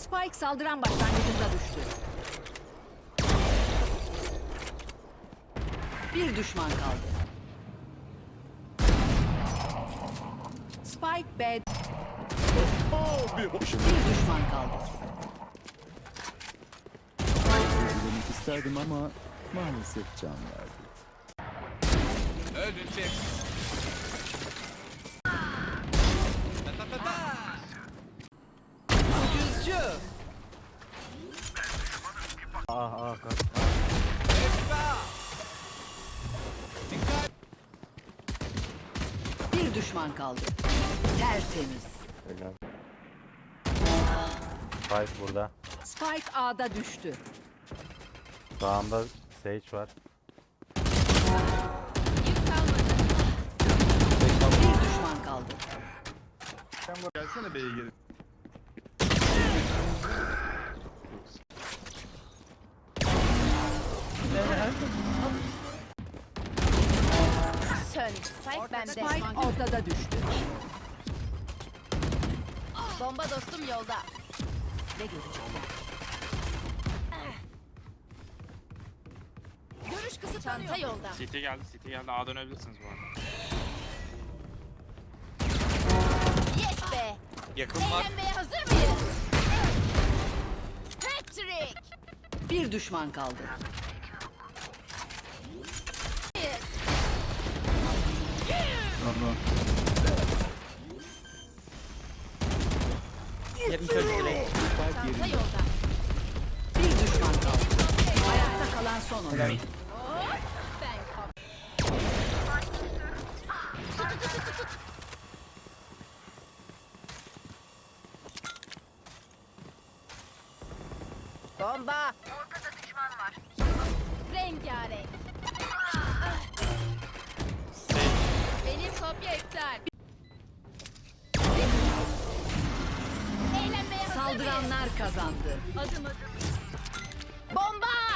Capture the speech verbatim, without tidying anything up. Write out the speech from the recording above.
Spike saldıran başlangıcında düştü. Bir düşman kaldı. Spike B. Bir düşman kaldı. Söylemek isterdim ama maalesef can verdi. Öldün çek. Ta ta ta ta. Ucuzcu. Ah ah kaç. Esra. Dikkat. Bir düşman kaldı. Tertemiz. Helal. Spike burada. Spike A'da düştü. Sağında Sage var. Bir düşman kaldı. Gelsene B'ye geri. Sön. Spike bende. Spike ortada düştü. Bomba dostum yolda. Ne görecekler? Görüş kısıtlanıyor. Çanta yolda. City geldi, City geldi. A dönebilirsiniz bu arada. Yes be. Yakın var. Eğlenmeye hazır mıyız? Patrick. Bir düşman kaldı. Çanta yolda. Bir düşman kaldı. Ayakta kalan son oyuncu. Ben kap. Bomba. Ortada düşman var. Rengarenk. Benim kopya iptal. Eğlenmeye hazır mıyız? Saldıranlar kazandı. Adım adım. Bomba!